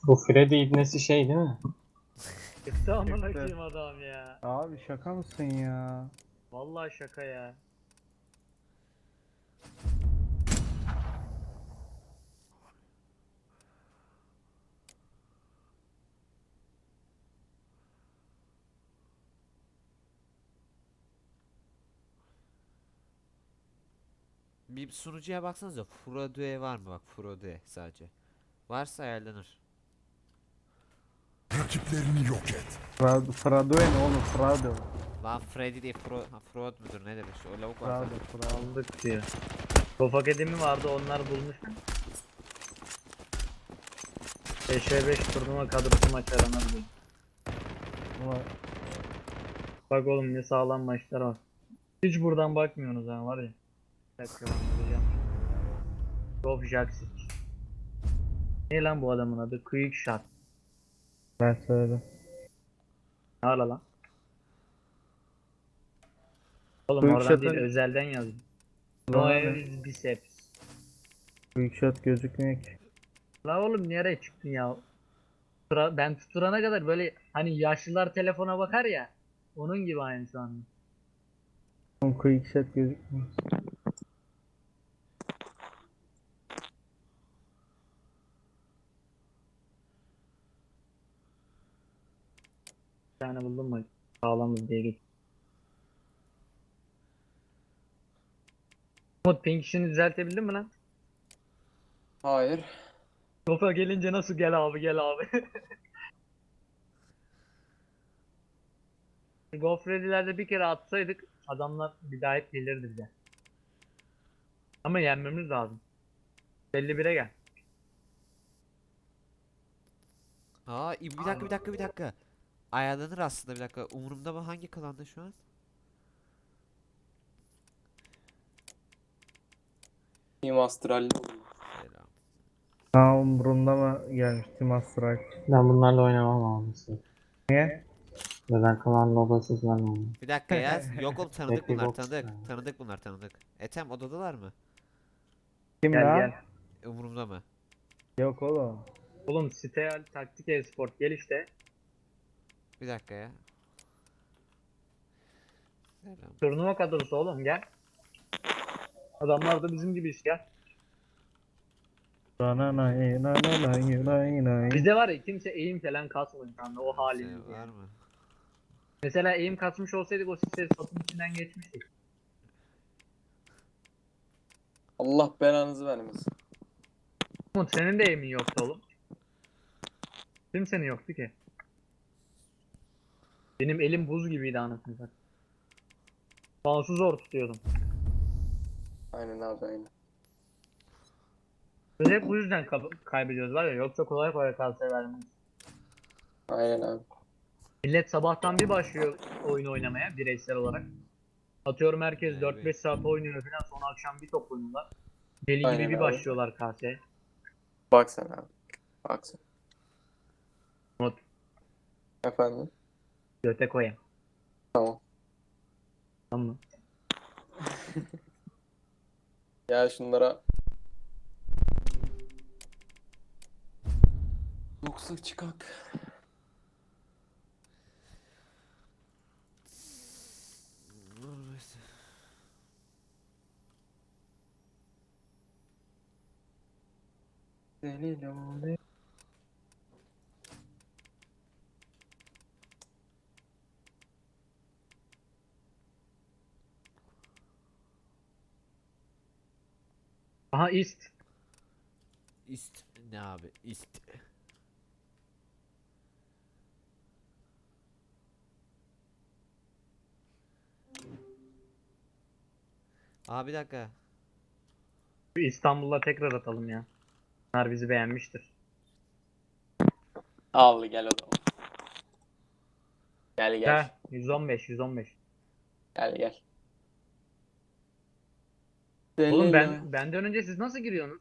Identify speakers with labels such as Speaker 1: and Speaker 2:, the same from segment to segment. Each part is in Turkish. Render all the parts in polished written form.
Speaker 1: Bu Freddy ibnesi şey değil mi?
Speaker 2: Çıktı amına
Speaker 3: Çıktı.
Speaker 2: koyayım adam ya.
Speaker 3: Abi şaka mısın ya?
Speaker 2: Vallahi şaka ya.
Speaker 4: Bir sunucuya baksanıza Frodoe var mı? Bak Frodoe sadece. Varsa ayarlanır.
Speaker 5: Rakiplerini yok et.
Speaker 3: Fradoe ne oğlum? Frado.
Speaker 4: Lan Freddy değil Frod mudur ne demek? O lavuk var.
Speaker 3: Frado. Frado.
Speaker 2: Aldık diyor. Kof Akademi vardı onlar bulmuş. 5v5 turnuva kadrosu maç aranır diyor.
Speaker 3: Ama
Speaker 2: Bak oğlum ne sağlam maçlar var. Hiç buradan bakmıyorsunuz ha var ya. Bir dakika ben bulacağım. Kof Jaksic. Ne lan bu adamın adı? Quick Shot.
Speaker 3: ben söyledim.
Speaker 2: Ne ala lan? Oğlum
Speaker 3: Quick
Speaker 2: oradan değil
Speaker 3: Shot'ın-
Speaker 2: özelden yazdım.
Speaker 3: Bana ne?
Speaker 2: Noel Biceps.
Speaker 3: Quick shot gözükmüyor ki.
Speaker 2: La oğlum nereye çıktın ya? Ben tutturana kadar böyle hani yaşlılar telefona bakar ya. Onun gibi aynı şu anda.
Speaker 3: Oğlum quick shot gözükmüyor.
Speaker 2: Bir tane buldum mu? Sağlamız diye geç. Umut pink işini düzeltebildin mi lan?
Speaker 6: Hayır.
Speaker 2: Topa gelince nasıl gel abi gel abi. Gofredilerde bir kere atsaydık adamlar bir daha hep gelirdi bize. Ama yenmemiz lazım. 51'e gel.
Speaker 4: Aa bir dakika. Ayarlanır aslında bir dakika. Umurumda mı hangi klanda şu an?
Speaker 6: Team Astral'de
Speaker 4: Selam.
Speaker 3: Ha umurumda mı gelmişti Master Strike?
Speaker 1: Ben bunlarla oynamam almışım.
Speaker 3: Niye?
Speaker 1: Neden kalan lobasız ben oynamam.
Speaker 4: Bir dakika ya. Yok oğlum tanıdık
Speaker 1: Happy
Speaker 4: bunlar
Speaker 1: Box
Speaker 4: tanıdık.
Speaker 1: ya.
Speaker 4: Tanıdık bunlar tanıdık. Etem odadalar mı?
Speaker 3: Kim
Speaker 2: Gel
Speaker 3: lan?
Speaker 2: gel.
Speaker 4: Umurumda mı?
Speaker 3: Yok oğlum.
Speaker 2: Oğlum Steal Taktik Esport gel işte.
Speaker 4: Bir dakika ya. Selam.
Speaker 2: Turnuva kadrosu oğlum gel. Adamlar da bizim gibi işte gel. Bizde var ya kimse eğim falan kasmıyor şu anda o halimiz
Speaker 4: Şey var
Speaker 2: yani.
Speaker 4: mı?
Speaker 2: Mesela eğim kasmış olsaydık o site satın içinden geçmiştik.
Speaker 6: Allah belanızı vermesin.
Speaker 2: Umut senin de eğimin yoktu oğlum. Kimsenin yoktu ki. Benim elim buz gibiydi anasını satayım. Mouse'u zor tutuyordum.
Speaker 6: Aynen abi aynen.
Speaker 2: Biz hep bu yüzden kaybediyoruz var ya yoksa kolay kolay kalsaya vermeyiz.
Speaker 6: Aynen abi.
Speaker 2: Millet sabahtan bir başlıyor oyun oynamaya bireysel olarak. Atıyorum herkes
Speaker 4: Evet.
Speaker 2: 4-5 saat oynuyor falan sonra akşam bir top oynuyorlar. Deli gibi
Speaker 6: Aynen
Speaker 2: bir
Speaker 6: abi.
Speaker 2: başlıyorlar kaseye.
Speaker 6: Bak sen abi. Bak sen.
Speaker 2: Umut
Speaker 6: Efendim.
Speaker 2: göte koyayım.
Speaker 6: Tamam.
Speaker 2: Tamam mı?
Speaker 6: Gel şunlara. Yoksa çıkak. Deli lale.
Speaker 2: Aha ist.
Speaker 4: İst ne abi? İst. Aa bir dakika.
Speaker 2: Bir İstanbul'a tekrar atalım ya. Bunlar bizi beğenmiştir.
Speaker 6: Al gel o zaman. Gel gel.
Speaker 2: Ha 115 115.
Speaker 6: Gel gel.
Speaker 2: Oğlum
Speaker 6: Deli lale.
Speaker 2: benden önce siz nasıl giriyorsunuz?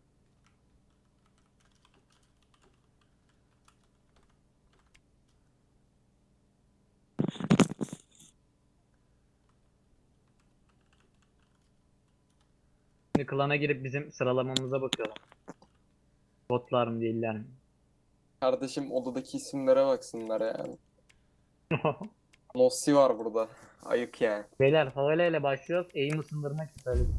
Speaker 2: Şimdi klana girip bizim sıralamamıza bakıyorlar. Botlar mı değiller mi?
Speaker 6: Kardeşim odadaki isimlere baksınlar yani. Nossi var burada. Ayık yani.
Speaker 2: Beyler favela ile başlıyoruz. Aim ısındırmak istedim.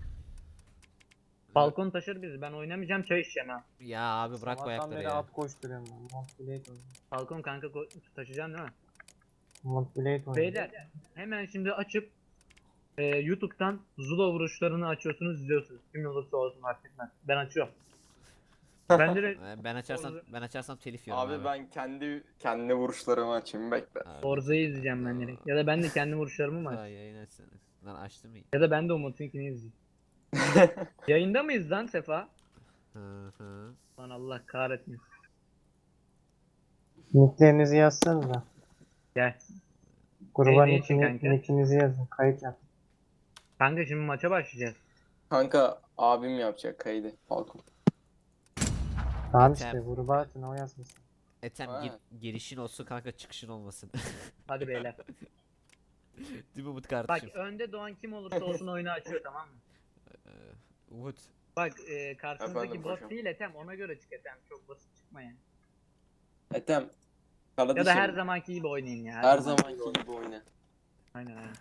Speaker 2: Balkon taşır bizi. Ben oynamayacağım, çay içeceğim ha.
Speaker 4: Ya abi bırak bu
Speaker 1: Sabahtan
Speaker 4: ayakları
Speaker 1: beri
Speaker 4: ya.
Speaker 1: at koşturuyorum ben. Montblade oynuyorum.
Speaker 2: Balkon kanka taşıyacaksın değil mi?
Speaker 1: Montblade oynuyorum.
Speaker 2: Beyler hemen şimdi açıp YouTube'dan Zula vuruşlarını açıyorsunuz, izliyorsunuz. Kim olursa olsun fark etmez. Ben açıyorum. Ben direkt
Speaker 4: Ben açarsam telif yiyorum
Speaker 6: Abi ben kendi vuruşlarımı açayım bekle.
Speaker 4: Abi.
Speaker 2: Forza'yı izleyeceğim ben direkt. Ya da ben de kendi vuruşlarımı mı
Speaker 4: Ay,
Speaker 2: açayım?
Speaker 4: yayın açsana. Lan açtım iyi.
Speaker 2: Ya da ben de Umut'unkini izleyeyim. Yayında mıyız lan Sefa?
Speaker 4: Hı hı.
Speaker 2: Lan Allah kahretmesin.
Speaker 1: Nicklerinizi yazsanıza.
Speaker 2: Gel.
Speaker 1: Gruba
Speaker 2: Ne için kanka?
Speaker 1: nickinizi yazın. Kayıt yap.
Speaker 2: Kanka şimdi maça başlayacağız.
Speaker 6: Kanka abim yapacak kaydı. Falcon.
Speaker 1: Tamam
Speaker 4: Yeter.
Speaker 1: işte gruba atın o yazmasın.
Speaker 4: Etem
Speaker 6: Ha.
Speaker 4: girişin olsun kanka çıkışın olmasın.
Speaker 2: Hadi beyler.
Speaker 4: Değil mi Umut
Speaker 2: Bak
Speaker 4: kardeşim?
Speaker 2: önde doğan kim olursa olsun oyunu açıyor, tamam mı?
Speaker 4: Umut.
Speaker 2: Bak karşınızdaki
Speaker 6: Efendim
Speaker 2: bot
Speaker 6: paşam.
Speaker 2: değil Etem, ona göre çık Etem. Çok basit çıkma yani.
Speaker 6: Etem.
Speaker 2: Ya
Speaker 6: Kardeşim.
Speaker 2: da her zamanki gibi oynayın ya.
Speaker 6: her zamanki gibi oyna.
Speaker 2: Aynen aynen.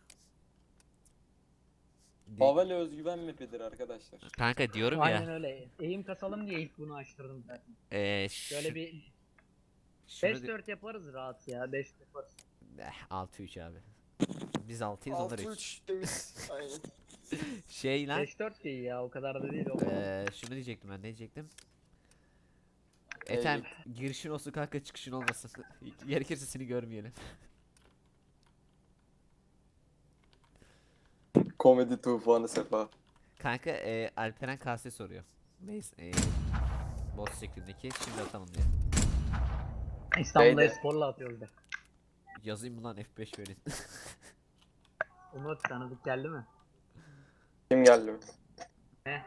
Speaker 6: Favela özgüven mapidir arkadaşlar.
Speaker 4: Kanka diyorum
Speaker 2: Aynen
Speaker 4: ya.
Speaker 2: öyle. Eğim kasalım diye ilk bunu açtırdım zaten. Şöyle bir
Speaker 4: şunu
Speaker 2: 5-4 yaparız rahat ya. 5 yaparız.
Speaker 4: 6-3 abi. Biz 6'yız onlar 3.
Speaker 6: 6-3 demiş. Aynen.
Speaker 4: Şey lan.
Speaker 2: 5-4 değil ya, o kadar da değil o.
Speaker 4: Şunu diyecektim ben, ne diyecektim? Etem girişin olsun kanka çıkışın olmasın. Gerekirse seni görmeyelim.
Speaker 6: Komedi tufanı Sefa.
Speaker 4: Kanka Alperen KS soruyor. Neyse boss şeklindeki şimdi atalım diye.
Speaker 2: İstanbul'da
Speaker 6: Beyde.
Speaker 2: Espor'la atıyoruz da.
Speaker 4: Yazayım mı lan F5 verin.
Speaker 2: Umut tanıdık geldi mi?
Speaker 6: Kim geldi?
Speaker 2: Ne?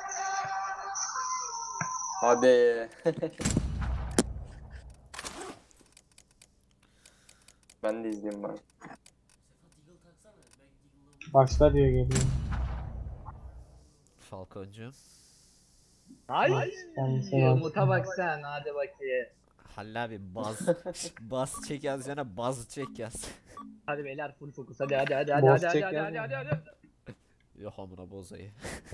Speaker 6: Hadi. Ben de izleyeyim bari.
Speaker 1: Başla diyor geliyor.
Speaker 4: Falconcu.
Speaker 2: Ay!
Speaker 1: Kendisi
Speaker 2: Umut'a bak sen, hadi bakayım.
Speaker 4: Halil abi baz çek yazacağına baz çek yaz.
Speaker 2: Hadi beyler full fokus, hadi
Speaker 1: Boss
Speaker 2: hadi
Speaker 1: çek
Speaker 2: hadi
Speaker 1: yazma.
Speaker 2: hadi.
Speaker 4: Yok amına bozayı.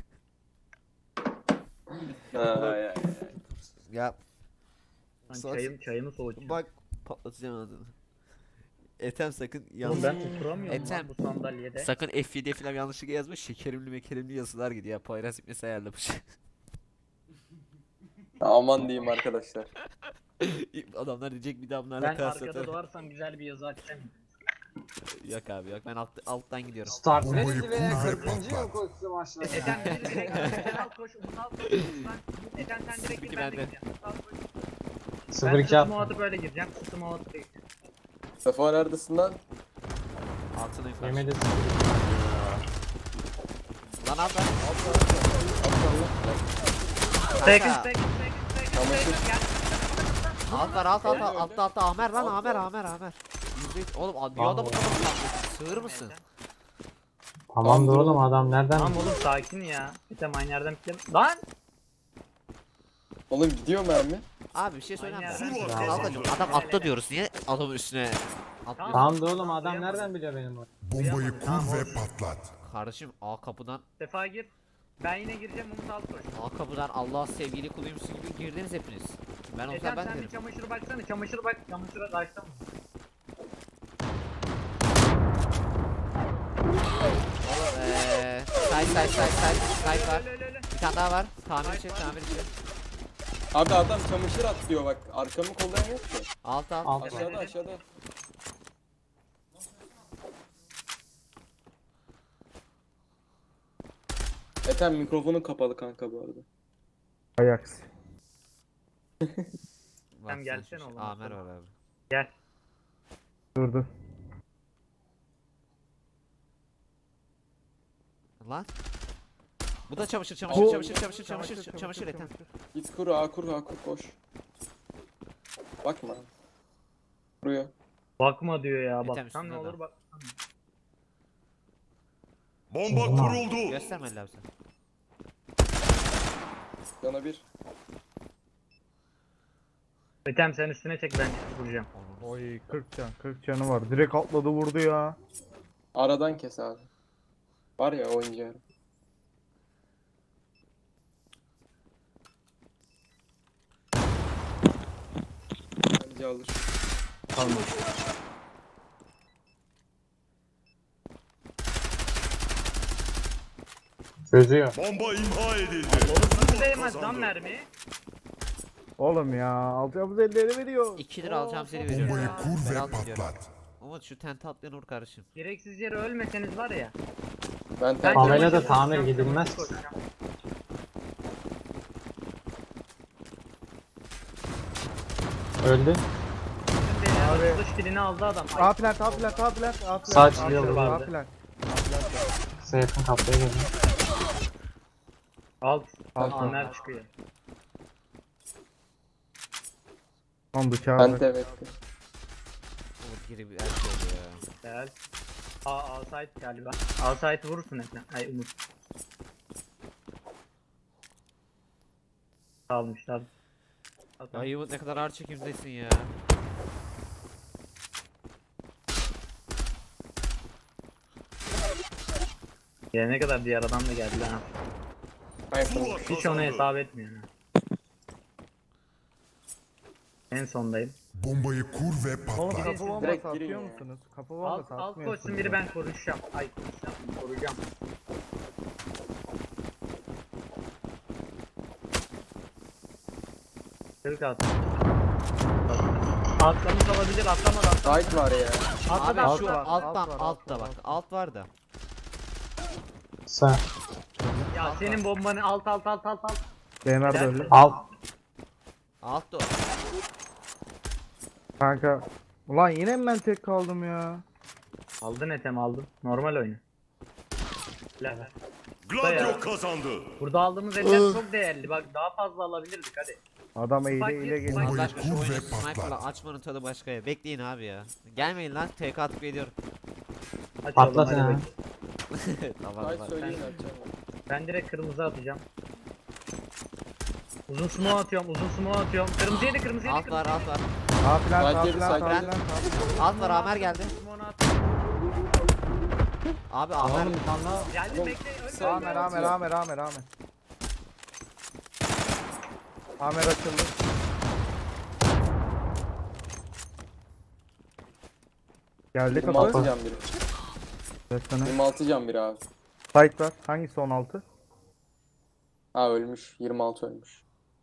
Speaker 6: Ay, ay.
Speaker 4: Ya
Speaker 2: Lan
Speaker 4: Sos-
Speaker 2: çayımı soğutacağım.
Speaker 4: bak patlatacağım adını. Etem sakın
Speaker 2: Oğlum
Speaker 4: yanlış.
Speaker 2: ben oturamıyorum
Speaker 4: Etem.
Speaker 2: lan bu sandalyede.
Speaker 4: Sakın F7'ye falan yanlışlıkla yazmış. Şekerimli mekerimli yazılar gidiyor ya. Poyraz ipnesi ayarlamış.
Speaker 6: Aman diyeyim arkadaşlar.
Speaker 4: Adamlar diyecek bir daha bunlarla
Speaker 2: Ben
Speaker 4: kıyas
Speaker 2: arkada
Speaker 4: atarım.
Speaker 2: doğarsam güzel bir yazı açacağım.
Speaker 4: Yok abi yok, ben alttan gidiyorum.
Speaker 1: Start
Speaker 5: Bombayı
Speaker 1: neresi
Speaker 5: kur
Speaker 1: be?
Speaker 5: ve
Speaker 1: 40.
Speaker 5: patlat.
Speaker 1: yıl koştu maçlar.
Speaker 2: Eten biri direkt Eten al koş, Umut al koş. Eten sen direkt gir, ben de
Speaker 4: bende.
Speaker 2: gireceğim. Umut al koş.
Speaker 1: 0-2
Speaker 2: Ben sırtımı
Speaker 1: at.
Speaker 2: atıp öyle gireceğim. Sırtımı atıp öyle gireceğim.
Speaker 6: Sefa neredesin lan?
Speaker 4: Altına yukarı.
Speaker 1: Yemedi.
Speaker 4: Lan abi.
Speaker 2: Second,
Speaker 4: Kanka.
Speaker 2: Gel.
Speaker 4: Alt var alt
Speaker 6: Öldü,
Speaker 4: altta Amer lan
Speaker 6: Alt
Speaker 4: Amer. Oğlum niye adamı kafasına atlıyorsun? Sığır mısın?
Speaker 1: Tamam da oğlum adam nereden?
Speaker 2: Tamam oğlum sakin ya. Eten aynı yerden pikleme. Lan!
Speaker 6: Oğlum gidiyor mermi.
Speaker 4: Abi bir şey söyleyeyim mi?
Speaker 2: Aynen.
Speaker 4: Ablacım adam atla diyoruz. Niye adamın üstüne atlıyorsun?
Speaker 1: Tamam da oğlum adam nereden biliyor benim oyunu?
Speaker 5: Bombayı kur ve patlat.
Speaker 4: Kardeşim A kapıdan
Speaker 2: Sefa gir. Ben yine gireceğim, Umut al koş.
Speaker 4: A kapıdan Allah sevgili kuluymuşsun gibi girdiniz hepiniz. Ben olsam
Speaker 2: Eten
Speaker 4: ben
Speaker 2: sen bir
Speaker 4: derim.
Speaker 2: çamaşıra baksana. Çamaşıra bak. Çamaşıra kaçta mı?
Speaker 4: Side var.
Speaker 2: Öyle.
Speaker 4: Bir tane daha var. Tamir için.
Speaker 6: Abi adam çamaşır atlıyor bak. Arkamı kollayan yok ki.
Speaker 4: Alt.
Speaker 1: Alt.
Speaker 6: Aşağıda. Ethem mikrofonun kapalı kanka bu arada.
Speaker 3: Ajax.
Speaker 4: Bak
Speaker 2: Sen gelsene oğlum.
Speaker 4: Amer var abi.
Speaker 2: Gel.
Speaker 3: Durdu.
Speaker 4: Lan. Bu da çamaşır Ethem.
Speaker 6: Git kur A kur koş. Bakma. Kuruyor.
Speaker 2: Bakma diyor ya.
Speaker 4: Eten
Speaker 2: Baksan ne
Speaker 4: üstünde
Speaker 2: olur
Speaker 4: adam.
Speaker 2: bak.
Speaker 5: Bomba kuruldu.
Speaker 4: Gösterme Ali abi sen.
Speaker 6: Yana bir.
Speaker 2: Metem sen üstüne çek, ben çıkıp vuracağım.
Speaker 3: Oy 40 canı var. Direkt atladı vurdu ya.
Speaker 6: Aradan kes abi. Var ya oyuncu. Bence alır.
Speaker 3: Tamam.
Speaker 1: Çözüyor.
Speaker 5: Bomba imha edildi.
Speaker 2: Nasıl değmez lan mermi?
Speaker 3: Oğlum ya alacağımız elleri veriyor.
Speaker 4: 2 lira alacağım seni veriyorum
Speaker 5: Bombayı
Speaker 4: ya.
Speaker 5: kur
Speaker 4: Ben
Speaker 5: ve
Speaker 4: almıyorum.
Speaker 5: patlat.
Speaker 4: Umut şu tente atlayan vur kardeşim.
Speaker 2: Gereksiz yere ölmeseniz var ya.
Speaker 6: Ben
Speaker 2: Ben
Speaker 1: Pamela da
Speaker 2: çamaşır
Speaker 1: tamir
Speaker 2: koyacağım,
Speaker 1: gidilmez.
Speaker 2: çamaşır koyacağım.
Speaker 1: Öldü.
Speaker 2: Beni dış dilini aldı adam. Ay,
Speaker 3: A plant, A plant, A plant, A plant.
Speaker 1: Sağ
Speaker 3: A
Speaker 1: çıkıyor
Speaker 3: plant,
Speaker 2: burada.
Speaker 3: A plant.
Speaker 1: Size yakın kapıya gelin.
Speaker 2: alt.
Speaker 3: Alt.
Speaker 2: Amer çıkıyor.
Speaker 3: Lan bıçağı
Speaker 6: Ben
Speaker 3: bırak.
Speaker 6: de bekle.
Speaker 4: Umut geri bir her şey oldu ya.
Speaker 2: Gel. Outside galiba. Outside vurursun Ekrem. Ay Umut. Almışlar.
Speaker 4: Ay Umut ne kadar ağır çekimdesin ya.
Speaker 2: Gelene kadar diğer adam da geldi lan.
Speaker 5: Zula
Speaker 2: Hiç onu
Speaker 5: kazandı.
Speaker 2: hesap etmiyor. Ha. En sondayım.
Speaker 5: Bombayı kur ve
Speaker 3: Oğlum
Speaker 5: patlat.
Speaker 3: kapı bombası
Speaker 6: Direkt girin
Speaker 3: atıyor
Speaker 6: ya.
Speaker 3: musunuz? Kapı
Speaker 2: Alt,
Speaker 3: bombası
Speaker 2: alt
Speaker 3: atmıyorsunuz.
Speaker 2: koşsun biri, ben koruyacağım. Ay koruyacağım. Kırık at. Atlamış olabilir, atlamadı.
Speaker 6: Sait var ya.
Speaker 2: Atladı,
Speaker 4: Abi
Speaker 3: alt
Speaker 4: şu
Speaker 3: var,
Speaker 4: alttan
Speaker 3: alt var, alt
Speaker 4: altta
Speaker 3: var,
Speaker 4: bak.
Speaker 3: alt.
Speaker 4: Alt var da.
Speaker 1: Sağ.
Speaker 2: Ya senin bombanı alt.
Speaker 3: DNR
Speaker 2: Gel.
Speaker 3: böyle.
Speaker 1: Al.
Speaker 4: Alt da o.
Speaker 3: Kanka. Ulan yine mi ben tek kaldım ya?
Speaker 2: Aldın Etem, aldın. Normal oyunu. La.
Speaker 5: Gladio kazandı.
Speaker 2: Burada aldığımız eller çok değerli. Bak daha fazla alabilirdik hadi.
Speaker 3: Adam
Speaker 2: Bak,
Speaker 3: eyle ile
Speaker 2: bak.
Speaker 3: geliyor.
Speaker 4: Allah aşkına şu
Speaker 5: kur ve
Speaker 4: oyunu sniper'la
Speaker 5: patlat.
Speaker 4: açmanın tadı başka ya. Bekleyin abi ya. Gelmeyin lan. TK atıp geliyorum.
Speaker 2: Aç
Speaker 1: Patlat
Speaker 2: oğlum, hadi
Speaker 1: ya.
Speaker 2: bakayım.
Speaker 4: Tamam
Speaker 6: Sait
Speaker 4: tamam.
Speaker 6: söyleyin atacağım.
Speaker 2: Ben direkt kırmızı atacağım. Uzun smoke atıyorum. Kırmızı yedi.
Speaker 4: Alt var alt var.
Speaker 3: A plant, A
Speaker 6: Sait
Speaker 3: plant, A
Speaker 6: geri,
Speaker 3: plant,
Speaker 6: Sait
Speaker 3: A plant.
Speaker 4: Alt var Amer geldi.
Speaker 2: Smoke'unu at.
Speaker 4: Abi Amer.
Speaker 1: Oğlum bir tane daha.
Speaker 2: Geldi bekle. Ölme.
Speaker 3: Amer, Amer, Amer, Amer, Amer. Amer açıldı. Geldi
Speaker 6: 26
Speaker 3: kapı.
Speaker 6: can biri.
Speaker 3: Resmen.
Speaker 6: 26 can biri abi.
Speaker 3: Fight var. Hangisi 16?
Speaker 6: Ha ölmüş. 26 ölmüş.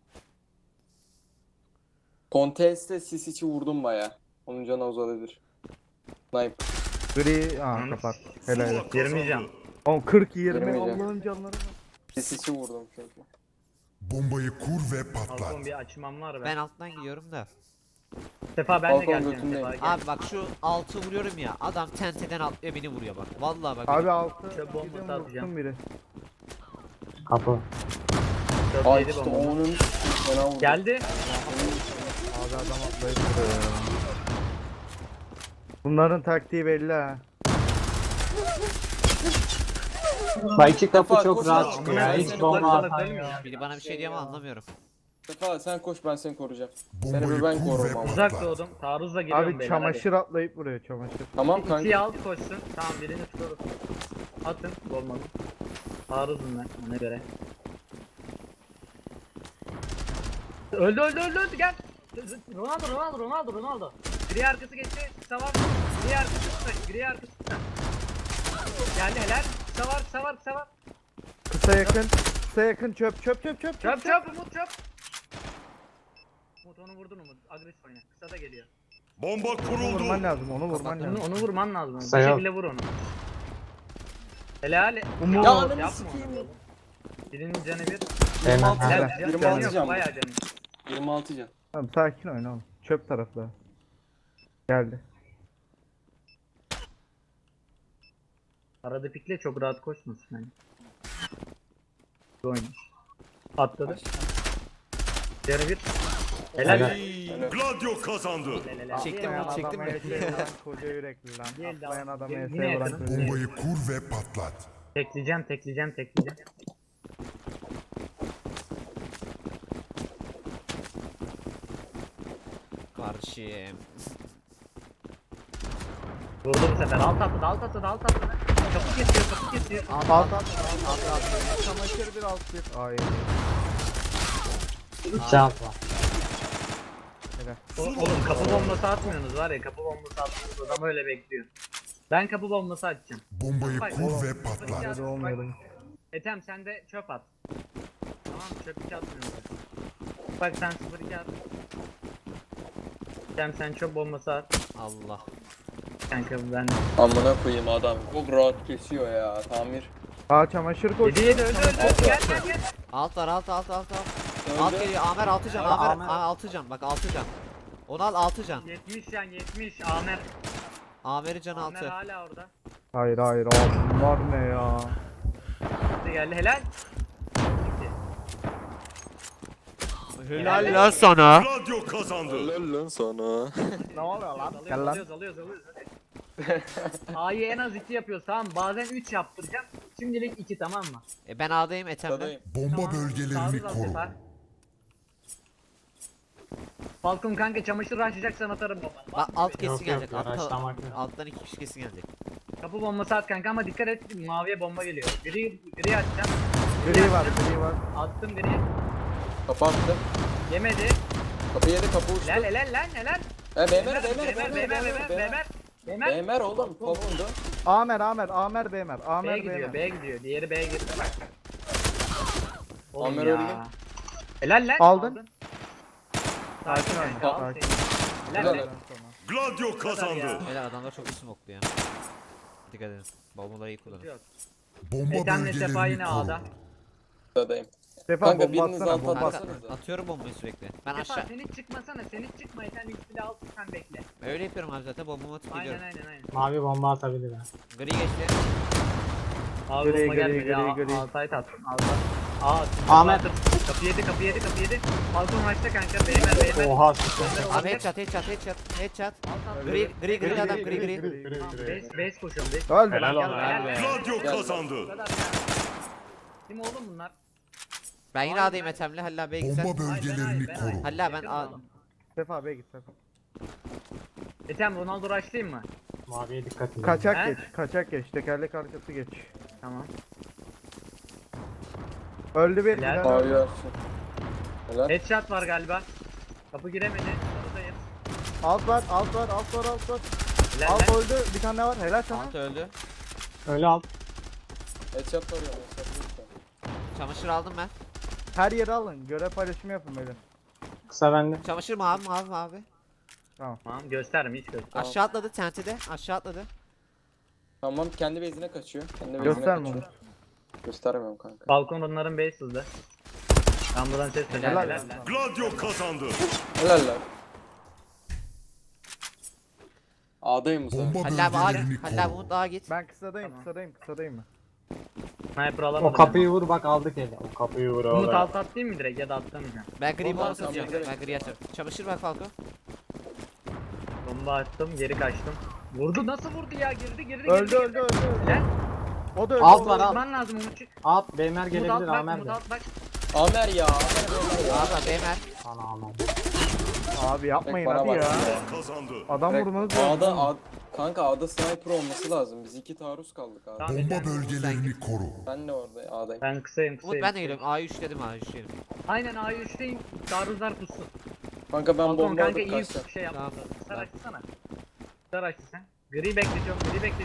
Speaker 6: Contest'te sis içi vurdum baya. Onun canı uzadabilir. Sniper.
Speaker 3: Gri. Aa kapat. Helal.
Speaker 5: Zula kazandı.
Speaker 2: Girmeyeceğim.
Speaker 3: Oğlum 40 20
Speaker 6: Girmeyeceğim.
Speaker 3: Allah'ın canları var.
Speaker 6: Sis içi vurdum çünkü.
Speaker 5: Bombayı kur ve patlat.
Speaker 2: Balkon bir açmam var
Speaker 4: Ben alttan gidiyorum da.
Speaker 2: Sefa ben de
Speaker 6: Balkon
Speaker 2: geleceğim.
Speaker 6: götündeyim.
Speaker 2: Sefa gel.
Speaker 4: Abi bak şu altı vuruyorum ya. Adam tenteden atlıyor beni vuruyor bak. Vallahi bak.
Speaker 3: Abi altı.
Speaker 2: Çöp bombası
Speaker 3: Gidin
Speaker 2: atacağım.
Speaker 3: vursun biri.
Speaker 1: Kapı.
Speaker 2: Dört
Speaker 6: Ay
Speaker 2: yedi
Speaker 6: işte
Speaker 2: bomba.
Speaker 6: onun fena vurdu.
Speaker 2: Geldi.
Speaker 3: Abi adam atlayıp duruyor ya. Bunların taktiği belli ha.
Speaker 1: Bak iki kapı
Speaker 6: Sefa,
Speaker 1: çok
Speaker 6: koş
Speaker 1: rahat
Speaker 6: lan.
Speaker 1: çıkıyor ya.
Speaker 6: Amına
Speaker 1: Hiç
Speaker 6: koyayım,
Speaker 1: bomba
Speaker 2: salak
Speaker 1: atan
Speaker 2: ölmüyor
Speaker 1: yok.
Speaker 2: ya.
Speaker 4: Biri bana bir şey diyor ama anlamıyorum.
Speaker 6: Sefa sen koş, ben seni koruyacağım.
Speaker 5: Bombayı
Speaker 6: Seni ben
Speaker 5: kur ve
Speaker 6: korurum ama.
Speaker 2: Uzak
Speaker 5: patlat.
Speaker 2: doğdum. Taarruzla geliyorum
Speaker 3: Abi
Speaker 2: beyler,
Speaker 3: çamaşır atlayıp vuruyor çamaşır.
Speaker 6: Tamam
Speaker 2: hadi.
Speaker 6: kanka.
Speaker 2: İkiyi alt koşsun. Tamam birini tutuyoruz. Atın. Olmadı. Taarruzum ben ona göre. Öldü gel. Ronaldo. Gri arkası geçti. Kısa var. Gri arkası kısa. Geldi helal. Kısa var.
Speaker 3: Kısa yakın çöp.
Speaker 2: Çöp Umut çöp. Umut onu vurdun Umut. Agresif oyna. Kısa da geliyor.
Speaker 5: Bomba
Speaker 3: Onu
Speaker 5: kuruldu.
Speaker 3: vurman lazım onu vurman
Speaker 2: Onu,
Speaker 3: lazım.
Speaker 2: onu vurman lazım. Bir
Speaker 1: Kısa yok.
Speaker 2: şekilde vur onu. Helal.
Speaker 3: Umut.
Speaker 6: Ya
Speaker 2: Yapma
Speaker 6: ananı
Speaker 2: onu.
Speaker 6: sikeyim.
Speaker 2: Birinin canı bir.
Speaker 1: Hemen.
Speaker 6: Helal.
Speaker 2: Helal.
Speaker 6: Helal.
Speaker 2: Canı
Speaker 6: 26
Speaker 2: yok,
Speaker 6: can.
Speaker 2: bayağı canı.
Speaker 6: 26 can.
Speaker 3: Tamam sakin oyna oğlum. Çöp tarafta. Geldi.
Speaker 2: Arada pikle çok rahat koşmasın hani. Oyun. Atladı. Canı bir. Helal.
Speaker 1: Helal.
Speaker 5: Gladio kazandı.
Speaker 2: Helal.
Speaker 4: Çektim
Speaker 3: Atlayan
Speaker 4: mi? Çektim
Speaker 3: adama
Speaker 4: mi?
Speaker 3: ESE vuran koca yürekli lan.
Speaker 2: Geldi
Speaker 3: Atlayan
Speaker 2: abi.
Speaker 3: adama
Speaker 2: Yine
Speaker 3: ESE vuran
Speaker 2: yakınım.
Speaker 3: koca yürekli.
Speaker 5: Bombayı kur ve patlat.
Speaker 2: Tekleyeceğim.
Speaker 4: kardeşim.
Speaker 2: Vurdu bu sefer. Alt atladı, alt atladı, alt atladı. Kapı kesiyor, kapı kesiyor.
Speaker 3: Alt alt alt. Çamaşır bir alt bir. Ay.
Speaker 1: İki alt var.
Speaker 2: Oğlum kapı bombası atmıyorsunuz var ya, kapı bombası atmıyorsunuz. Adam öyle bekliyor. Ben kapı bombası atacağım.
Speaker 5: Bombayı
Speaker 2: Bak,
Speaker 5: kur ve
Speaker 2: Bak,
Speaker 5: patlat.
Speaker 3: Hadi olmayalım.
Speaker 2: Ethem sen de çöp at. Tamam mı? Çöp hiç atmıyorsun. Bak sen 0-2 at. Ethem sen çöp bombası at.
Speaker 4: Allah.
Speaker 2: Kanka ben...
Speaker 6: Amına koyayım adam. Çok rahat kesiyor ya. Tamir.
Speaker 3: Aa çamaşır koş.
Speaker 2: 7 öldü öldü. Gel gel gel.
Speaker 4: Alt var alt alt alt alt. Alt
Speaker 6: Öldü.
Speaker 4: geliyor Amer 6 can
Speaker 1: Aa,
Speaker 4: Amer
Speaker 1: Amer.
Speaker 4: 6 can bak 6 can. Onu al 6 can.
Speaker 2: 70 can 70. Amer.
Speaker 4: Amer'in canı
Speaker 2: Amer
Speaker 4: 6.
Speaker 2: hala orada.
Speaker 3: Hayır hayır abi bunlar ne ya?
Speaker 2: Hadi geldi helal.
Speaker 4: Helal lan sana.
Speaker 5: Gladio kazandı.
Speaker 6: lan sana.
Speaker 3: Ne oluyor lan? Gel lan.
Speaker 2: Alıyoruz. Hadi. A'yı en az 2 yapıyoruz tamam mı? Bazen 3 yaptıracağım. Şimdilik 2 tamam mı?
Speaker 4: Ben A'dayım Ethem'le.
Speaker 6: Tadayım.
Speaker 5: Bomba
Speaker 2: Tamam.
Speaker 5: bölgelerini
Speaker 2: Sağ ol,
Speaker 5: koru.
Speaker 2: Sefa. Falcon kanka çamaşır açacaksan atarım baba.
Speaker 4: Bak alt kesin
Speaker 1: Yok, yok,
Speaker 4: gelecek.
Speaker 1: araçlamak yok.
Speaker 4: Alttan 2 kişi kesin gelecek.
Speaker 2: Kapı bombası at kanka ama dikkat et maviye bomba geliyor. Gri atacağım.
Speaker 3: Gri var gri var.
Speaker 2: Attım gri.
Speaker 6: Kapı attı.
Speaker 2: Yemedi.
Speaker 6: Kapı yedi, kapı uçtu.
Speaker 2: Helal.
Speaker 6: Bemer. Bemer oğlum. Topundu.
Speaker 3: Amer Bemer.
Speaker 2: B'ye
Speaker 3: Amer
Speaker 2: gidiyor,
Speaker 3: Bemer.
Speaker 2: B'ye gidiyor. Diğeri B'ye girdi. Oğlum
Speaker 6: Amer
Speaker 2: ya.
Speaker 6: öldü.
Speaker 2: Helal lan.
Speaker 3: Aldın.
Speaker 2: Sakin
Speaker 3: Sakin
Speaker 2: ol.
Speaker 3: ol,
Speaker 2: Al
Speaker 3: sakin.
Speaker 2: seni. Helal
Speaker 6: Helal.
Speaker 2: lan.
Speaker 5: Gladio kazandı.
Speaker 4: Helal adamlar çok iyi smoklu ya. Dikkat edin. Bombaları iyi kullanın.
Speaker 5: Bomba
Speaker 2: Ethem Sefa
Speaker 5: bölgelerini
Speaker 2: yine
Speaker 5: koru.
Speaker 2: A'da.
Speaker 6: Tadayım.
Speaker 3: Sefa
Speaker 6: Kanka,
Speaker 3: bomba
Speaker 6: biriniz
Speaker 3: atsana
Speaker 6: alt
Speaker 3: bomba
Speaker 6: atsana.
Speaker 3: atsana.
Speaker 4: Kanka, atıyorum bombayı sürekli. Ben
Speaker 2: Sefa
Speaker 4: aşağı.
Speaker 2: sen hiç çıkmasana. Sen hiç çıkma. Sen ilk silah al sen bekle.
Speaker 4: Öyle yapıyorum abi zaten bombamı atıp
Speaker 2: Aynen
Speaker 4: gidiyorum.
Speaker 2: aynen.
Speaker 1: Mavi bomba atabilir ha.
Speaker 4: Gri geçti.
Speaker 2: Abi
Speaker 3: Gri,
Speaker 2: bomba
Speaker 3: gri,
Speaker 2: gelmedi.
Speaker 3: gri, gri.
Speaker 2: Altayt attım. Altayt.
Speaker 1: Ahmet.
Speaker 2: Kapı yedi. Balkon açtı kanka. Beyler.
Speaker 1: Oha süper.
Speaker 4: Abi headshot. Gri adam gri.
Speaker 2: Base koşuyorum. Base.
Speaker 3: Öldü
Speaker 1: Helal
Speaker 3: lan.
Speaker 1: olsun.
Speaker 2: Helal.
Speaker 5: Gladio
Speaker 6: Gel.
Speaker 2: Bu
Speaker 5: kazandı.
Speaker 2: kadar ya. Kim oğlum bunlar?
Speaker 4: Ben yine A'dayım Ethem'le. Halil abiye gitsen.
Speaker 5: Bomba bölgelerini
Speaker 2: Ben
Speaker 5: koru.
Speaker 4: Halil abi ben
Speaker 2: Yakın
Speaker 4: A...
Speaker 2: oğlum.
Speaker 3: Sefa Bey git Sefa.
Speaker 2: Ethem Ronaldo rushlayayım mı?
Speaker 1: Maviye dikkat edin.
Speaker 3: Kaçak
Speaker 2: He?
Speaker 3: geç. Kaçak geç. Tekerlek arkası geç.
Speaker 2: Tamam.
Speaker 3: Öldü bir.
Speaker 2: Helal.
Speaker 3: bir tane öldü.
Speaker 6: Mavi açsın. Helal.
Speaker 2: Headshot var galiba. Kapı giremedi. Sarıdayız.
Speaker 3: Alt var.
Speaker 2: Helal
Speaker 3: Alt
Speaker 2: lan.
Speaker 3: öldü. Bir tane daha var. Helal sana.
Speaker 4: Altı öldü.
Speaker 1: Öyle alt.
Speaker 6: Headshot var ya. Headshot lütfen.
Speaker 4: Çamaşır aldım ben.
Speaker 3: Her yeri alın. Görev paylaşımı yapın böyle.
Speaker 1: Kısa bende.
Speaker 4: Çamaşır mavi.
Speaker 2: Tamam gösterme hiç göster.
Speaker 6: Tamam.
Speaker 4: Aşağı atladı tentide. Aşağı atladı.
Speaker 6: Tamam, kendi base'ine kaçıyor. Kendi base'ine
Speaker 3: Gösterme
Speaker 6: kaçıyor.
Speaker 3: onu.
Speaker 6: Göstermiyorum kanka.
Speaker 2: Balkon onların base hızlı. Ben buradan ses
Speaker 4: Helal.
Speaker 2: vereceğim.
Speaker 3: Helal.
Speaker 5: Gladio kazandı.
Speaker 6: Helal lan. A'dayım bu sefer.
Speaker 5: Bomba
Speaker 4: Halil abi A
Speaker 5: bölgelerini
Speaker 4: git. Halil abi
Speaker 5: koru.
Speaker 4: Umut A'ya git.
Speaker 3: Ben kısadayım.
Speaker 2: Tamam.
Speaker 3: Kısadayım ben.
Speaker 2: Sniper alamadım.
Speaker 1: O kapıyı vur bak aldık eli. O kapıyı vur
Speaker 2: Umut
Speaker 1: oğlum.
Speaker 2: alt atlayayım mı direkt ya da atlamayacağım.
Speaker 4: Ben gri
Speaker 6: Bomba
Speaker 4: bomba
Speaker 6: atsam
Speaker 4: atacağım.
Speaker 6: direkt.
Speaker 4: Ben gri açarım. Çamaşır bak Falco.
Speaker 2: Bomba attım geri kaçtım. Vurdu nasıl vurdu ya girdi.
Speaker 3: Öldü.
Speaker 2: Helal.
Speaker 3: O da öldü.
Speaker 1: Alt
Speaker 3: o da
Speaker 1: var,
Speaker 3: öldü.
Speaker 1: alt.
Speaker 2: Vurman lazım Umutçuk.
Speaker 1: Alt Beymer
Speaker 2: Umut
Speaker 1: gelebilir
Speaker 2: alt bak
Speaker 1: Amer
Speaker 2: Umut
Speaker 1: de.
Speaker 2: alt bak.
Speaker 6: Amer ya. Amer ya.
Speaker 4: Abi Bemer.
Speaker 1: Ana aman.
Speaker 3: Abi yapmayın
Speaker 6: Bana
Speaker 3: hadi
Speaker 6: bak.
Speaker 3: ya.
Speaker 5: Kazandı.
Speaker 3: Adam
Speaker 6: Direkt
Speaker 3: vurmanız lazım.
Speaker 6: Kanka A'da sniper olması lazım. Biz 2 taarruz kaldık abi.
Speaker 2: Tamam.
Speaker 5: Bomba bölgelerini koru.
Speaker 6: Ben de orada A'dayım.
Speaker 2: Ben kısayım.
Speaker 4: Umut ben de geliyorum. A'yı üçledim A'yı üçledim.
Speaker 2: Aynen A'yı üçteyim. Taarruzlar pussun.
Speaker 6: Kanka ben
Speaker 2: Balkon
Speaker 6: bomba
Speaker 2: kanka
Speaker 6: alıp
Speaker 2: iyi
Speaker 6: kaçacağım.
Speaker 2: şey yaptın.
Speaker 4: Tamam.
Speaker 2: Kısar açsana. Kısar açtı sen. Gri bekletiyorum.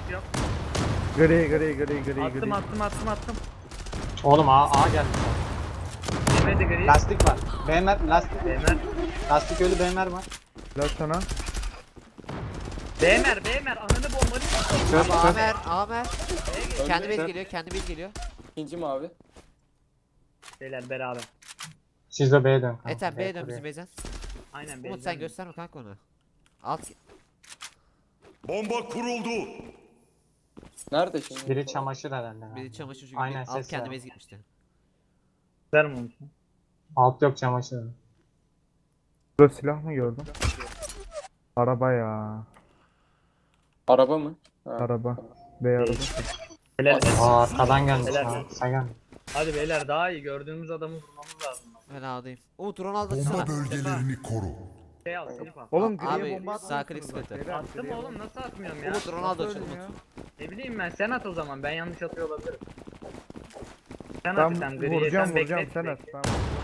Speaker 3: Gri.
Speaker 2: Attım.
Speaker 1: Oğlum A geldi.
Speaker 2: Yemedi gri.
Speaker 1: Lastik var. Beymer lastik.
Speaker 2: Bemer.
Speaker 1: Lastik ölü Beymer var.
Speaker 3: Helal sana.
Speaker 2: Bemer. Ananı bombalı.
Speaker 1: Çöp
Speaker 4: Abi
Speaker 1: çöp.
Speaker 4: Amer. Kendi
Speaker 6: Öldü.
Speaker 4: bez geliyor.
Speaker 6: İkinci mavi.
Speaker 2: Beyler beraber.
Speaker 1: Siz de B'ye dön. kanka.
Speaker 4: Ethem B'ye dön
Speaker 1: buraya.
Speaker 4: bizim base'den.
Speaker 2: Aynen
Speaker 4: Umut
Speaker 2: beyler.
Speaker 4: sen gösterme kanka onu. Alt.
Speaker 5: Bomba kuruldu.
Speaker 6: Nerede şimdi?
Speaker 1: Biri çamaşır herhalde. ya.
Speaker 4: Biri çamaşır çünkü
Speaker 1: Aynen,
Speaker 4: alt
Speaker 1: ses
Speaker 4: kendi
Speaker 1: var.
Speaker 4: bez gitmişti.
Speaker 2: Verme onu.
Speaker 1: Alt yok çamaşır.
Speaker 3: Burada silah mı gördün? Araba ya.
Speaker 6: Araba mı? Ha.
Speaker 3: Araba. Bey araba.
Speaker 2: Beyler.
Speaker 1: Aa arkadan gelmiş
Speaker 2: Helal.
Speaker 1: ha. Sen gel.
Speaker 2: Hadi beyler daha iyi gördüğümüz adamı vurmamız lazım.
Speaker 4: Ben A'dayım. Umut Ronaldo atsana.
Speaker 5: Bomba bölgelerini koru.
Speaker 2: Şey al silip al.
Speaker 3: Oğlum
Speaker 4: Abi,
Speaker 3: griye bomba
Speaker 4: sağ
Speaker 3: atmıyorsunuz
Speaker 4: klik
Speaker 3: bak,
Speaker 4: sıkıntı.
Speaker 3: beyler,
Speaker 2: Attım
Speaker 3: griye
Speaker 2: oğlum nasıl atmıyorum ya?
Speaker 4: Umut Ronaldo
Speaker 3: Nasıl
Speaker 4: çek
Speaker 3: öldün ya?
Speaker 4: Umut.
Speaker 2: Ne bileyim ben sen at o zaman ben yanlış atıyor olabilirim. Sen
Speaker 3: Ben
Speaker 2: at sen griye
Speaker 3: vuracağım
Speaker 2: sen
Speaker 3: vuracağım
Speaker 2: bekle.
Speaker 3: sen at. Tamam.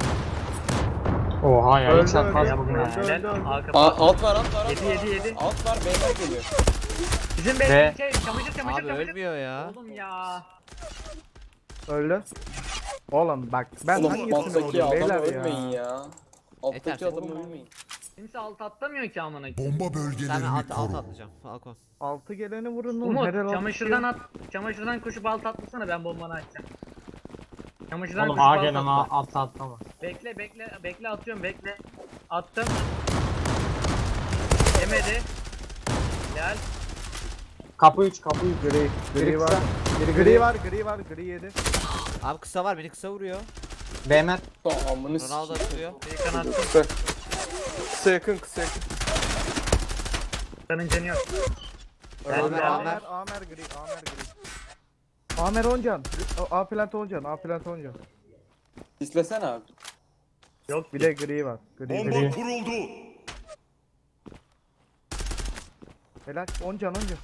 Speaker 1: Oha ya
Speaker 3: Öldü,
Speaker 1: hiç atmaz
Speaker 3: öldü.
Speaker 1: bugün
Speaker 2: Yapma
Speaker 1: ya.
Speaker 3: Öldü,
Speaker 2: ya.
Speaker 3: öldü.
Speaker 2: Al kapat.
Speaker 6: Alt var alt var alt
Speaker 2: Yedi,
Speaker 6: var.
Speaker 2: yedi, yedi.
Speaker 6: Alt var beyler geliyor.
Speaker 2: Bizim
Speaker 1: Ve-
Speaker 2: bekle şey çamaşır çamaşır
Speaker 4: Abi
Speaker 2: çamaşır.
Speaker 4: ölmüyor ya.
Speaker 2: Oğlum ya.
Speaker 3: Öldü. Oğlum bak ben
Speaker 6: Oğlum
Speaker 3: hangisini
Speaker 6: alttaki
Speaker 3: vurdum
Speaker 6: adam
Speaker 3: beyler
Speaker 6: ölmeyin
Speaker 3: ya.
Speaker 6: ya. Alttaki
Speaker 4: Yeter,
Speaker 6: adam
Speaker 4: sen-
Speaker 6: ölmeyin.
Speaker 2: Kimse alt atlamıyor ki amına.
Speaker 5: Bomba
Speaker 4: Sen
Speaker 5: bölgelerini
Speaker 4: alt
Speaker 5: koru.
Speaker 4: atlayacağım. Falcon.
Speaker 3: 6 geleni vurun oğlum.
Speaker 2: Umut
Speaker 3: helal olsun.
Speaker 2: çamaşırdan at. Çamaşırdan koşup alt atlasana ben bombanı açacağım. Çamaşırdan
Speaker 1: Oğlum
Speaker 2: koşup
Speaker 1: A
Speaker 2: alt
Speaker 1: gelen
Speaker 2: atla.
Speaker 1: atla atlama.
Speaker 2: Bekle bekle bekle atıyorum bekle. Attım. Yemedi. Gel.
Speaker 1: Kapı 3 kapı 3.
Speaker 3: Gri,
Speaker 1: Biri
Speaker 3: gri var.
Speaker 1: kısa. Biri
Speaker 3: Gri var, gri var, gri yedi.
Speaker 4: Abi kısa var beni kısa vuruyor.
Speaker 1: BMR.
Speaker 6: Amını
Speaker 4: Ronaldo atıyor.
Speaker 2: Bir kanat.
Speaker 6: Kısa. Kısa yakın kısa yakın.
Speaker 2: Kanın canı yok.
Speaker 3: Öldü.
Speaker 2: Amer,
Speaker 3: Amer, Amer gri, Amer gri. Amer Oncan. A plant Oncan, A plant Oncan.
Speaker 6: İstesene abi.
Speaker 2: Yok
Speaker 3: Bir de gri var. Gri,
Speaker 5: Bomba
Speaker 3: gri.
Speaker 5: kuruldu.
Speaker 3: Helal. Oncan, Oncan.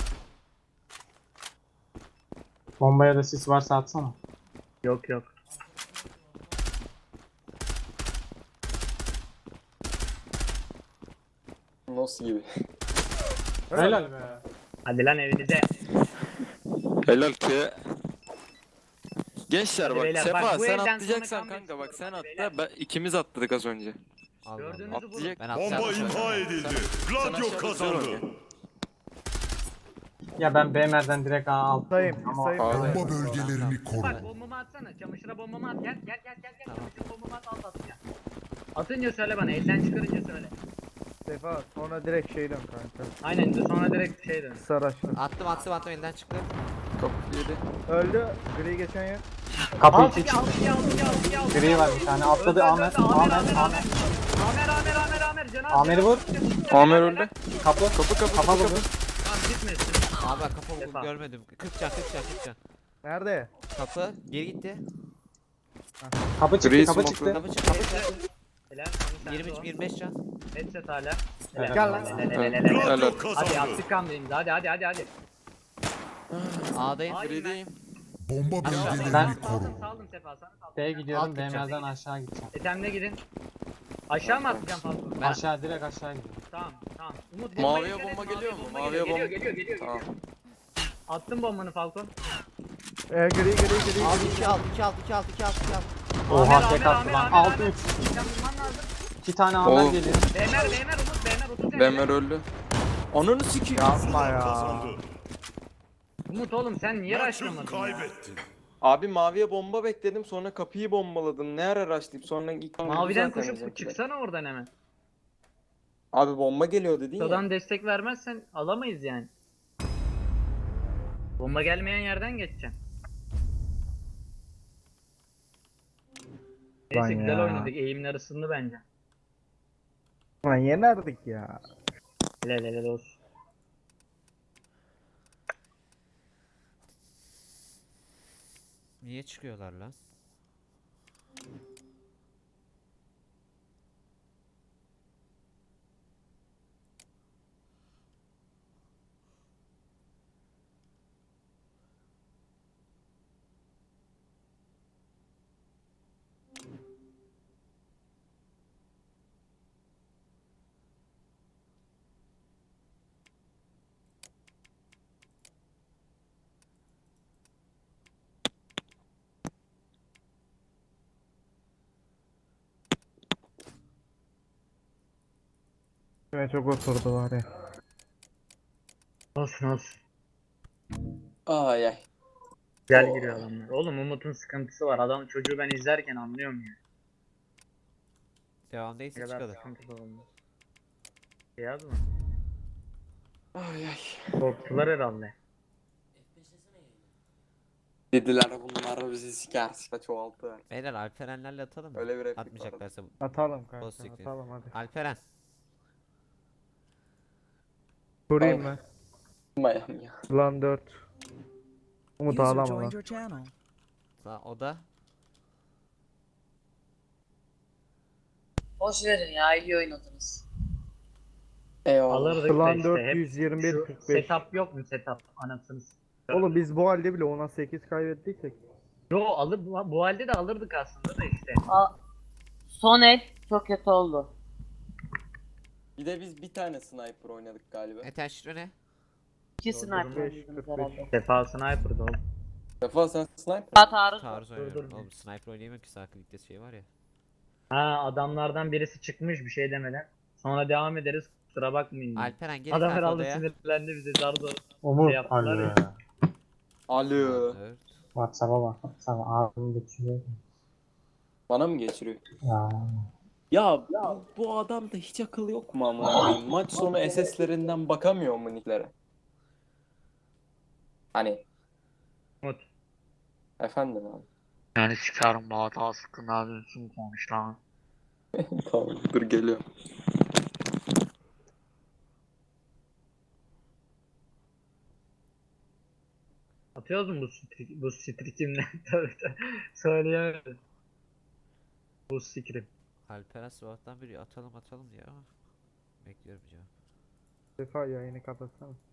Speaker 1: Bombaya da sis varsa atsana.
Speaker 2: yok yok.
Speaker 6: Nasıl gibi.
Speaker 1: Helal be.
Speaker 2: Hadi lan evinize.
Speaker 7: Helal ki. Gençler
Speaker 2: Hadi
Speaker 7: bak
Speaker 2: beyler,
Speaker 7: Sefa
Speaker 2: bak bu
Speaker 7: sen
Speaker 2: elden sonra
Speaker 7: atlayacaksan
Speaker 2: comeback
Speaker 7: kanka bak sen
Speaker 2: istiyorum. Beyler.
Speaker 7: atla. İkimiz atladık az önce.
Speaker 4: Allah Allah.
Speaker 2: Gördüğünüzü vurun.
Speaker 7: Atlayacak.
Speaker 4: Ben
Speaker 5: Bomba
Speaker 4: atlayacağım.
Speaker 5: imha edildi. Gladio
Speaker 7: aşağıda
Speaker 5: kazandı.
Speaker 7: dur oraya.
Speaker 1: Ya ben BMR'den direkt A alttım.
Speaker 3: Sayayım,
Speaker 1: Ama
Speaker 3: sayayım.
Speaker 7: Abi.
Speaker 5: Bomba bölgelerini koru.
Speaker 2: Bak bombamı atsana. Çamaşıra bombamı at. Gel gel gel gel.
Speaker 4: Tamam.
Speaker 2: Çamaşır bombamı at alt atacağım. Atınca söyle bana. Elden çıkarınca söyle.
Speaker 3: Sefa sonra direkt şeyden kanka.
Speaker 2: Aynen de sonra direkt şey dön.
Speaker 3: Saraçlı.
Speaker 4: Attım elden çıktı.
Speaker 7: Kapı yedi.
Speaker 3: Öldü. Gri geçen yer.
Speaker 1: kapı
Speaker 2: Alt
Speaker 1: 2
Speaker 2: iki alt iki alt iki alt iki alt.
Speaker 1: gri var bir tane. Atladı Ahmet. Ahmet. Ahmet.
Speaker 2: Amer. Cenab
Speaker 1: Amer'i vur.
Speaker 7: Amer öldü.
Speaker 1: Kapı. Kafa vurdu.
Speaker 2: Tamam gitmesin.
Speaker 4: Abi ben kafa
Speaker 2: Sefa.
Speaker 4: vurdum görmedim. 40 can 40 can 40 can.
Speaker 3: Nerede?
Speaker 4: Kapı geri gitti.
Speaker 1: Kapı çıktı.
Speaker 7: Gri
Speaker 1: Kapı
Speaker 7: smoke'lu.
Speaker 1: çıktı.
Speaker 4: Kapı çıktı.
Speaker 2: Helal.
Speaker 4: 25 can.
Speaker 2: Headset hala.
Speaker 1: Helal.
Speaker 2: Gel lan.
Speaker 7: Helal.
Speaker 5: Gladio
Speaker 2: Hadi
Speaker 5: kazandı.
Speaker 2: attık kamdayımız. Hadi.
Speaker 4: A'dayım.
Speaker 2: Hayır.
Speaker 7: Grideyim.
Speaker 5: Bomba bölgelerini
Speaker 1: Ben-
Speaker 5: koru.
Speaker 2: Saldım Sefa sana saldım.
Speaker 1: B'ye gidiyorum.
Speaker 4: Alt gideceğim.
Speaker 1: BMR'den aşağı gideceğim.
Speaker 2: Etemle gidin. Aşağı mı atlayacağım fazla?
Speaker 4: Ben-
Speaker 1: Aşağı direkt aşağı gidiyorum.
Speaker 2: Tamam. Umut
Speaker 7: Maviye
Speaker 2: dikkat et,
Speaker 7: bomba geliyor mu?
Speaker 2: geliyor,
Speaker 7: Maviye
Speaker 2: geliyor,
Speaker 7: bomba-
Speaker 2: geliyor.
Speaker 7: Tamam.
Speaker 2: Attım bombanı Falcon.
Speaker 3: Gri.
Speaker 4: Al 2 al 2 al 2 al 2 al 2 al.
Speaker 1: Oha tek attı lan. 6-3.
Speaker 2: Sen bulman lazım.
Speaker 1: 2 tane Amer
Speaker 7: Oğlum.
Speaker 1: geliyor.
Speaker 2: Bemer, Umut, 30
Speaker 7: Bemer öldü. Ananı sikeyim.
Speaker 3: Yapma ya.
Speaker 5: Kazandı.
Speaker 2: Umut oğlum sen niye
Speaker 5: Maçı
Speaker 2: raşlamadın ya?
Speaker 5: kaybettin.
Speaker 7: Abi maviye bomba bekledim sonra kapıyı bombaladım. Ne ara rushlayıp sonra ilk
Speaker 2: Maviden
Speaker 7: zaten
Speaker 2: koşup
Speaker 7: bizimkiler.
Speaker 2: çıksana oradan hemen.
Speaker 6: Abi bomba geliyor dedin ya.
Speaker 2: Sodan destek vermezsen alamayız yani. Bomba gelmeyen yerden geçeceğim.
Speaker 3: Lan
Speaker 2: Neyse güzel
Speaker 3: ya.
Speaker 2: oynadık. Eğimler ısındı bence.
Speaker 3: Lan yenerdik ya.
Speaker 2: Helal olsun.
Speaker 4: Niye çıkıyorlar lan?
Speaker 3: Kime çok oturdu var ya.
Speaker 2: Olsun.
Speaker 6: Ay ay.
Speaker 2: Gel giriyor adamlar. Oğlum Umut'un sıkıntısı var. Adam çocuğu ben izlerken anlıyorum ya.
Speaker 4: Devam
Speaker 2: Ne
Speaker 4: değilse
Speaker 2: kadar
Speaker 4: çıkalım.
Speaker 2: sıkıntılı olmuş. Beyaz mı?
Speaker 6: Ay ay.
Speaker 2: Korktular herhalde.
Speaker 6: Dediler bunlar bizi siker çoğaltı.
Speaker 4: Beyler Alperenlerle atalım mı?
Speaker 6: Öyle bir replik var.
Speaker 4: Atmayacaklarsa
Speaker 3: Atalım kanka.
Speaker 4: Boss siktir.
Speaker 3: Atalım hadi.
Speaker 4: Alperen.
Speaker 3: Kurayım ben.
Speaker 6: Mayam ya.
Speaker 3: Lan 4. Umut
Speaker 8: User
Speaker 3: ağlama
Speaker 8: joined
Speaker 3: lan.
Speaker 8: your channel.
Speaker 4: O da
Speaker 9: Boş verin ya iyi oynadınız.
Speaker 6: Eyvallah.
Speaker 2: Alırdık da
Speaker 3: Plan
Speaker 2: işte hep
Speaker 3: 421
Speaker 2: şu
Speaker 3: 45.
Speaker 2: setup yok mu setup anasını
Speaker 3: Oğlum biz bu halde bile 10'a 8 kaybettiysek.
Speaker 2: Yo alır bu halde de alırdık aslında da işte.
Speaker 8: Son el çok kötü oldu.
Speaker 6: Bir de biz bir tane sniper oynadık galiba.
Speaker 4: Etenşiro ne?
Speaker 8: İki
Speaker 3: Doğru,
Speaker 8: sniper
Speaker 3: 45,
Speaker 8: oynadınız
Speaker 3: 45.
Speaker 8: herhalde.
Speaker 2: Sefa sniper'da oğlum.
Speaker 6: Defa sen sniper.
Speaker 8: Taarruz.
Speaker 4: Taarruz oynuyorum.
Speaker 2: dur.
Speaker 4: Oğlum sniper oynayamıyorum ki Sakın Lig'de şey var ya.
Speaker 2: Ha adamlardan birisi çıkmış bir şey demeden. Sonra devam ederiz kusura bakmayın. diye.
Speaker 4: Alperen gel
Speaker 2: Adam
Speaker 4: kanka
Speaker 2: herhalde
Speaker 4: odaya.
Speaker 2: sinirlendi bize zar zor.
Speaker 1: Umut.
Speaker 2: Şey yaptılar ya.
Speaker 6: Alo.
Speaker 4: Dört.
Speaker 1: WhatsApp'a bak. WhatsApp'a ağzını geçiriyor.
Speaker 6: Bana mı geçiriyor?
Speaker 1: Ya.
Speaker 6: Ya bu adamda hiç akıl yok mu amına koyayım? Maç sonu SS'lerinden bakamıyor mu nicklere? Hani
Speaker 2: Umut.
Speaker 6: efendim abi.
Speaker 2: Yani çıkarım bu hata sıkın abi kim konuş lan.
Speaker 6: Tamam dur geliyorum.
Speaker 2: Atıyoruz mu bu strikimle? Tabii tabii. Söyleyemedim. Bu sikrim.
Speaker 4: Alperen sabahtan beri atalım diyor ama bekliyorum cevap.
Speaker 3: Sefa yayını kapatsana.